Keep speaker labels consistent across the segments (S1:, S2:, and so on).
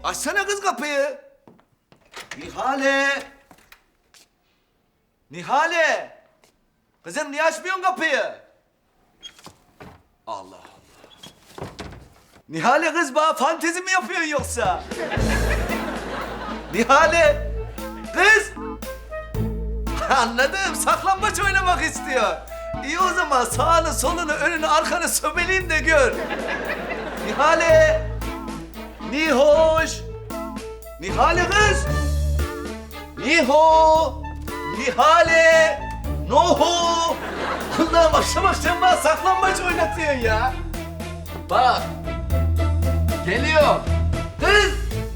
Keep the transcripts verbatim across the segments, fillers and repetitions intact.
S1: Açsana kız kapıyı. Nihale. Nihale. Kızım niye açmıyorsun kapıyı? Allah Allah. Nihale kız bana fantezi mi yapıyorsun yoksa? Nihale. Kız. Anladım. Saklambaç oynamak istiyor. İyi o zaman sağını, solunu, önünü, arkanı sömeleyim de gör. Nihale. Nihoş. Nihale kız. Niho. Nihale. Noho. Allah'ım akşam akşam bana saklambaç oynatıyorsun ya. Bak. Geliyor. Kız.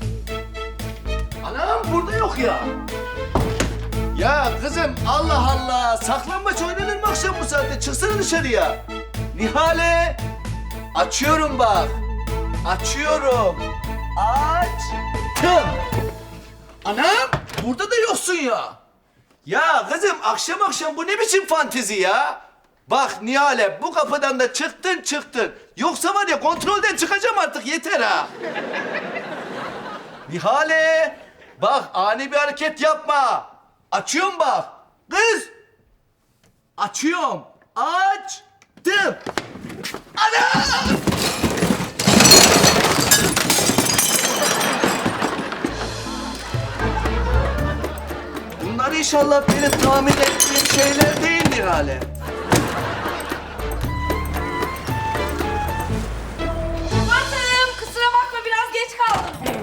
S1: Anam burada yok ya. Ya kızım Allah Allah. Saklambaç oynanır mı akşam bu saatte? Çıksana dışarıya. Nihale. Açıyorum bak. Açıyorum. Açtım. Anam burada da yoksun ya. Ya kızım akşam akşam bu ne biçim fantezi ya? Bak Nihale bu kapıdan da çıktın çıktın. Yoksa var ya kontrolden çıkacağım artık yeter ha. Nihale bak ani bir hareket yapma. Açıyorum bak. Kız. Açıyorum. Açtım. Anam! Bunlar inşallah benim tahmin ettiğim şeyler değil Nihale.
S2: Kubat'ım kusura bakma biraz geç kaldım.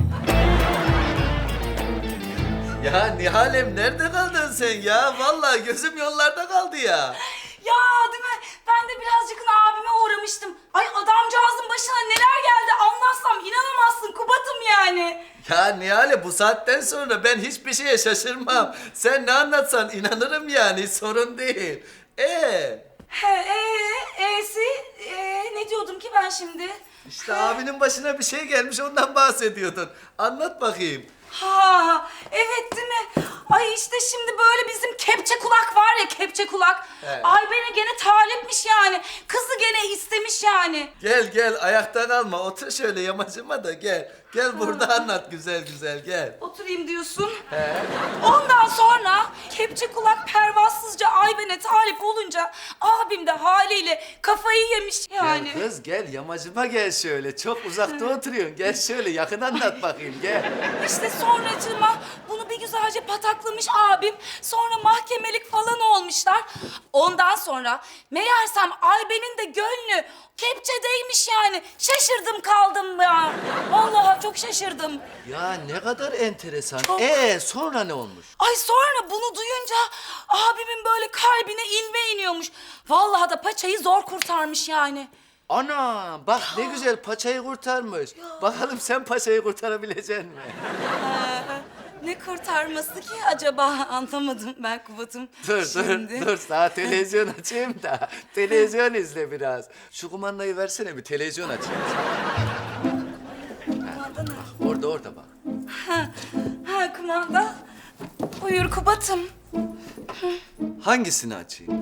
S1: Ya Nihalem nerede kaldın sen ya? Vallahi gözüm yollarda kaldı ya.
S2: Ya değil mi? Ben de birazcık abime uğramıştım. Ay adamcağızın başına neler geldi anlatsam inanamazsın Kubat'ım yani.
S1: Ya Nihale bu saatten sonra ben hiçbir şeye şaşırmam. Sen ne anlatsan inanırım yani sorun değil. Ee,
S2: He, ee, e'si, ee, ne diyordum ki ben şimdi?
S1: işte abinin başına bir şey gelmiş ondan bahsediyordun. Anlat bakayım.
S2: Ha, evet değil mi? Ay işte şimdi böyle bizim kepçe kulak var ya kepçe kulak.
S1: Evet.
S2: Ay beni gene talipmiş yani. Kızı gene istemiş yani.
S1: Gel gel ayakta kalma otur şöyle yamacıma da gel. Gel burada anlat güzel güzel gel.
S2: Oturayım diyorsun.
S1: He.
S2: Ondan sonra kepçe kulak pervasızca Ayben'e talip olunca abim de haliyle kafayı yemiş yani.
S1: Gel kız gel yamacıma gel şöyle. Çok uzakta oturuyorsun. Gel şöyle yakın anlat bakayım gel.
S2: İşte sonracığıma bunu bir güzelce pataklamış abim. Sonra mahkemelik falan olmuşlar. Ondan sonra meğersem Ayben'in de gönlü kepçedeymiş yani. Şaşırdım kaldım ya. Vallahi çok şaşırdım.
S1: Ya ne kadar enteresan.
S2: Çok.
S1: Ee sonra ne olmuş?
S2: Ay sonra bunu duyunca abimin böyle kalbine ilme iniyormuş. Vallahi da paçayı zor kurtarmış yani.
S1: Ana bak ne güzel paçayı kurtarmış. Bakalım sen paçayı kurtarabilecek misin?
S2: Ee, ne kurtarması ki acaba anlamadım ben Kubat'ım.
S1: Dur
S2: Şimdi.
S1: dur dur sana televizyon açayım da televizyon izle biraz. Şu kumandayı versene bir televizyon açayım.
S2: Kumanda ne?
S1: Orada orada bak.
S2: Ha, ha kumanda. Buyur Kubat'ım.
S1: Hangisini açayım?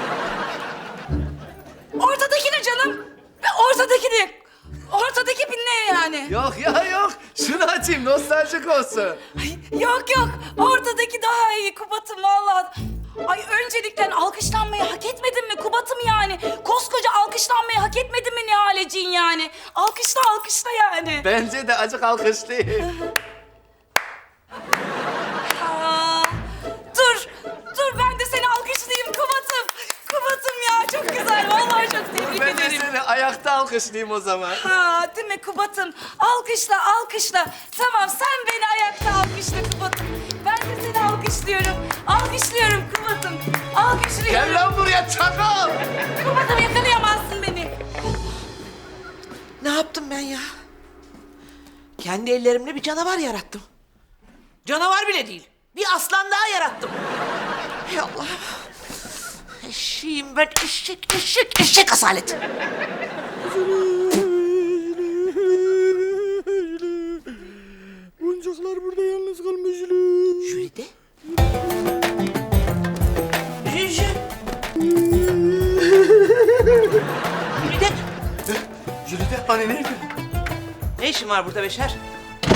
S2: Ortadakini canım. Ve ortadakini. Ortadaki bir ne yani?
S1: Yok ya yok. Şunu açayım nostaljik olsun.
S2: Ay, yok yok. Ortadaki daha iyi Kubat'ım vallahi. Ay öncelikle alkışlanmayı hak etmedin mi Kubat'ım yani? Koskoca alkışlanmayı hak etmedin mi Nihaleciğin yani? Alkışla alkışla yani.
S1: Bence de acık alkışlayayım.
S2: Aa, dur, dur ben de seni alkışlayayım Kubat'ım. Kubat'ım ya çok güzel. Vallahi çok tebrik
S1: Ben de
S2: ederim.
S1: seni ayakta alkışlayayım o zaman.
S2: Ha değil mi Kubat'ım? Alkışla, alkışla. Tamam sen beni ayakta alkışla Kubat'ım. Ben de seni alkışlıyorum. Alkışlıyorum Kubat'ım. Alkışlıyorum.
S1: Gel lan buraya çakal.
S2: Kubat'ım yakalayamazsın beni.
S3: Ne yaptım ben ya? Kendi ellerimle bir canavar yarattım. Canavar bile değil. Bir aslan daha yarattım. Hay Allah. Eşeğim ben eşek, eşek, eşek asalet.
S4: Boncuklar burada yalnız kalmış.
S3: Jülide. Jülide.
S1: Jülide hani nerede?
S3: Ne işin var burada Beşer?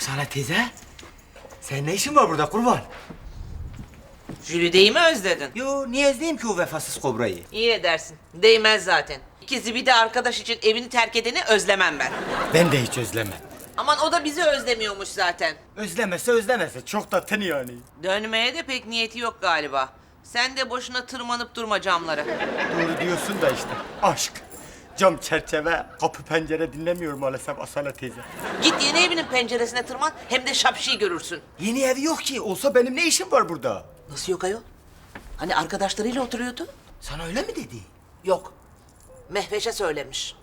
S5: Sana teyze, senin ne işin var burada kurban?
S3: Jülide'yi mi özledin?
S5: Yo, niye ezleyeyim ki o vefasız kobrayı?
S3: İyi edersin. Değmez zaten. İkizi bir de arkadaş için evini terk edeni özlemem ben.
S5: Ben de hiç özlemem.
S3: Aman o da bizi özlemiyormuş zaten.
S5: Özlemese özlemese, çok da tını yani.
S3: Dönmeye de pek niyeti yok galiba. Sen de boşuna tırmanıp durma camlara.
S5: Doğru diyorsun da işte, aşk. Cam çerçeve, kapı pencere dinlemiyor maalesef Asala teyze.
S3: Git yeni evinin penceresine tırman, hem de şapşıyı görürsün.
S5: Yeni evi yok ki, olsa benim ne işim var burada?
S3: Nasıl yok ayol? Hani arkadaşlarıyla oturuyordu?
S5: Sana öyle mi dedi?
S3: Yok. Mehveş'e söylemiş.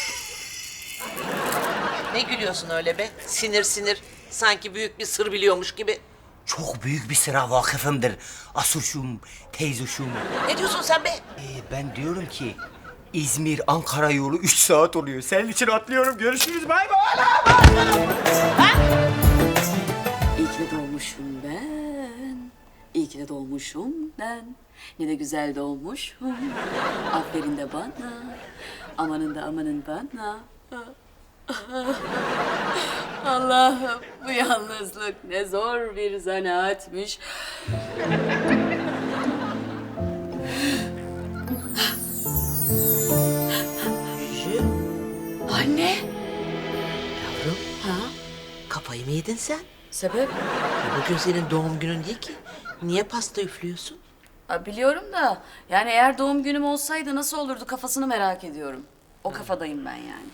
S3: Ne gülüyorsun öyle be? Sinir sinir. Sanki büyük bir sır biliyormuş gibi.
S5: Çok büyük bir sıra vakıfımdır. Asurşum, teyzuşum.
S3: Ne diyorsun sen be?
S5: Ee, ben diyorum ki İzmir-Ankara yolu üç saat oluyor. Senin için atlıyorum. Görüşürüz. Bay bay.
S6: İyi ki de doğmuşum ben. İyi ki de doğmuşum ben. Ne de güzel doğmuşum. Aferin de bana. Amanın da amanın bana. Allah'ım bu yalnızlık ne zor bir zanaatmiş.
S3: Jü,
S6: Anne.
S3: yavrum.
S6: Ha?
S3: Kafayı mı yedin sen?
S6: Sebep?
S3: E, bugün senin doğum günün değil ki. Niye pasta üflüyorsun?
S6: Ha, biliyorum da yani eğer doğum günüm olsaydı nasıl olurdu kafasını merak ediyorum. O kafadayım ben yani.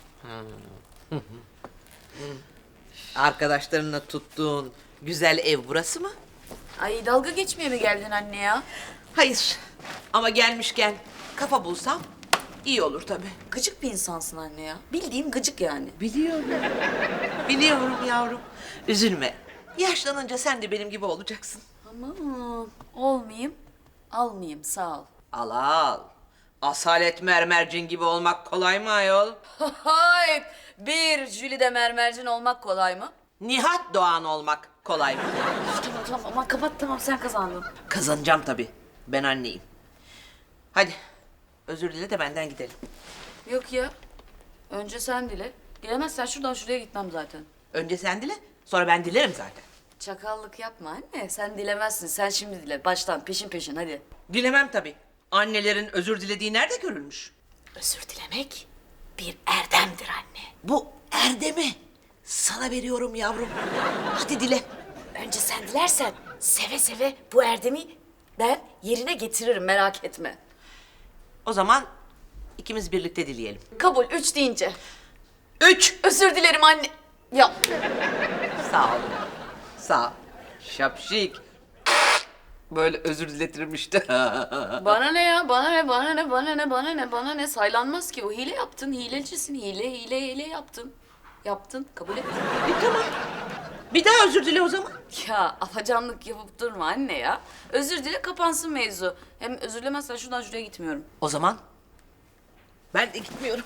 S3: Arkadaşlarınla tuttuğun güzel ev burası mı?
S6: Ay dalga geçmeye mi geldin anne ya?
S3: Hayır. Ama gelmişken kafa bulsam iyi olur tabii.
S6: Gıcık bir insansın anne ya. Bildiğim gıcık yani.
S3: Biliyorum. Biliyorum yavrum. Üzülme. Yaşlanınca sen de benim gibi olacaksın.
S6: Aman olmayayım, almayayım sağ ol.
S3: Al al. Asalet mermercin gibi olmak kolay mı ayol?
S6: Hayır, bir Jülide mermercin olmak kolay mı?
S3: Nihat Doğan olmak kolay mı?
S6: Tamam tamam aman kapat tamam sen kazandın.
S3: Kazanacağım tabii. Ben anneyim. Hadi. Özür dile de benden gidelim.
S6: Yok ya, önce sen dile. Gelemezsen şuradan şuraya gitmem zaten.
S3: Önce sen dile, sonra ben dilerim zaten.
S6: Çakallık yapma anne, sen dilemezsin. Sen şimdi dile, baştan peşin peşin hadi.
S3: Dilemem tabii. Annelerin özür dilediği nerede görülmüş?
S6: Özür dilemek bir erdemdir anne.
S3: Bu erdemi sana veriyorum yavrum. Hadi dile.
S6: Önce sen dilersen seve seve bu erdemi ben yerine getiririm merak etme.
S3: O zaman ikimiz birlikte dileyelim.
S6: Kabul üç deyince.
S3: Üç.
S6: Özür dilerim anne. Ya
S3: Sağ ol. Sağ ol. Şapşik. Böyle özür diletirim işte.
S6: bana ne ya bana ne bana ne bana ne bana ne bana ne saylanmaz ki bu hile yaptın hilecisin hile hile hile yaptın. Yaptın kabul et.
S3: E, tamam. Bir daha özür dile o zaman.
S6: Ya afacanlık yapıp durma anne ya. Özür dile kapansın mevzu. Hem özür dilemezsen şuradan şuraya gitmiyorum.
S3: O zaman ben de gitmiyorum.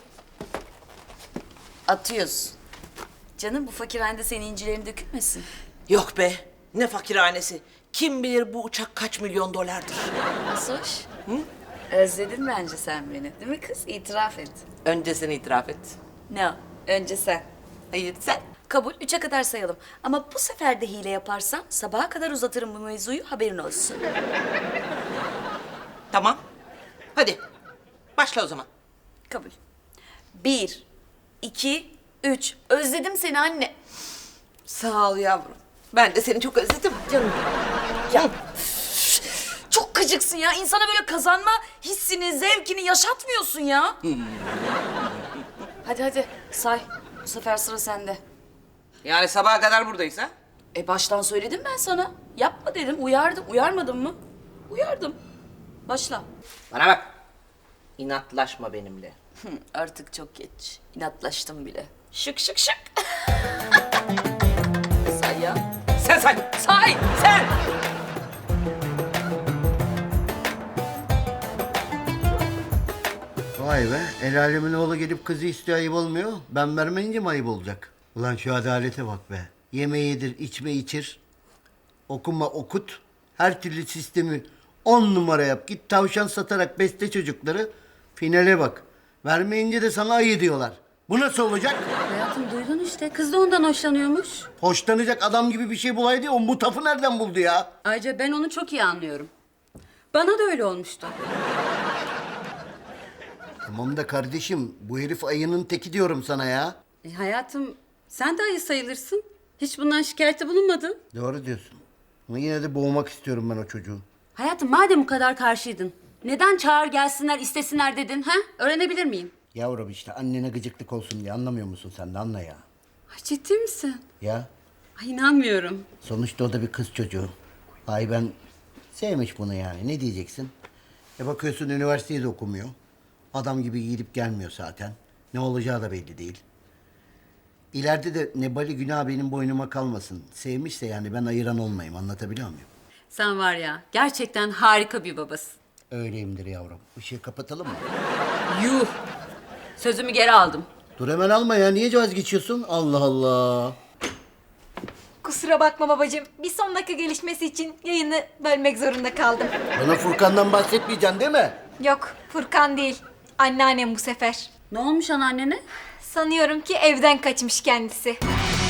S6: Atıyorsun. Canım bu fakirhanede senin incilerin dökülmesin.
S3: Yok be. Ne fakirhanesi. Kim bilir bu uçak kaç milyon dolardır.
S6: Asoş. Hı? Özledin bence sen beni değil mi kız? İtiraf et.
S3: Önce sen itiraf et.
S6: Ne o? Önce sen.
S3: Hayır sen.
S6: Kabul. Üçe kadar sayalım. Ama bu sefer de hile yaparsan sabaha kadar uzatırım bu mevzuyu haberin olsun.
S3: Tamam. Hadi. Başla o zaman.
S6: Kabul. Bir, iki, üç. Özledim seni anne.
S3: Sağ ol yavrum. Ben de seni çok özledim.
S6: Canım. Ya üf, çok gıcıksın ya. İnsana böyle kazanma hissini, zevkini yaşatmıyorsun ya. Hadi hadi say. Bu sefer sıra sende.
S3: Yani sabaha kadar buradayız ha?
S6: E baştan söyledim ben sana. Yapma dedim, uyardım. Uyarmadım mı? Uyardım. Başla.
S3: Bana bak. İnatlaşma benimle.
S6: Hı, artık çok geç. İnatlaştım bile. Şık şık şık. Say ya.
S3: Sen say.
S6: Say.
S3: Sen.
S7: Vay be, el alemin oğlu gelip kızı istiyor ayıp olmuyor. Ben vermeyince mi ayıp olacak? Ulan şu adalete bak be. Yeme yedir, içme içir. Okuma okut. Her türlü sistemi on numara yap. Git tavşan satarak besle çocukları. Finale bak. Vermeyince de sana ayı diyorlar. Bu nasıl olacak?
S6: Hayatım duydun işte. işte. Kız da ondan hoşlanıyormuş.
S7: Hoşlanacak adam gibi bir şey bulaydı. O mutafı nereden buldu ya?
S6: Ayrıca ben onu çok iyi anlıyorum. Bana da öyle olmuştu.
S7: Tamam da kardeşim, bu herif ayının teki diyorum sana ya.
S6: E, hayatım, sen de ayı sayılırsın. Hiç bundan şikayette bulunmadın.
S7: Doğru diyorsun. Ama yine de boğmak istiyorum ben o çocuğu.
S6: Hayatım, madem bu kadar karşıydın, neden çağır gelsinler, istesinler dedin, ha? Öğrenebilir miyim?
S7: Yavrum işte annene gıcıklık olsun diye anlamıyor musun sen de, anla ya.
S6: Ay, ciddi misin?
S7: Ya
S6: Ay, inanmıyorum.
S7: sonuçta o da bir kız çocuğu. Ay ben sevmiş bunu yani, ne diyeceksin? E bakıyorsun üniversiteyi de okumuyor. Adam gibi gidip gelmiyor zaten. Ne olacağı da belli değil. İleride de nebali günah benim boynuma kalmasın. Sevmişse yani ben ayıran olmayayım, anlatabiliyor muyum?
S6: Sen var ya, gerçekten harika bir babasın.
S7: Öyleyimdir yavrum. Işığı kapatalım mı?
S6: Yuh! Sözümü geri aldım.
S7: Dur hemen alma ya, niye vazgeçiyorsun? Allah Allah.
S8: Kusura bakma babacığım. Bir son dakika gelişmesi için yayını bölmek zorunda kaldım.
S7: Bana Furkan'dan bahsetmeyeceksin değil mi?
S8: Yok, Furkan değil. Anneannem bu sefer.
S6: Ne olmuş anneannene?
S8: Sanıyorum ki evden kaçmış kendisi.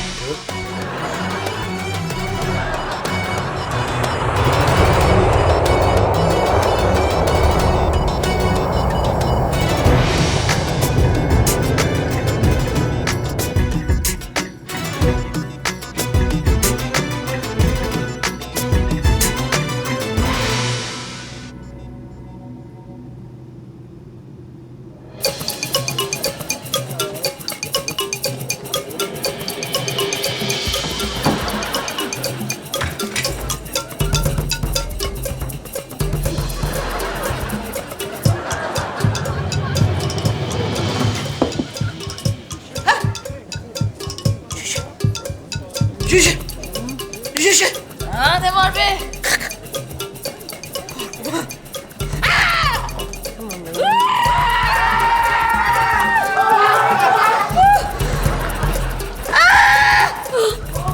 S3: Cüce! Cüce!
S2: Ha, ne var be?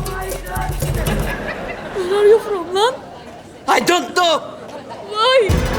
S3: I don't know.
S6: Vay!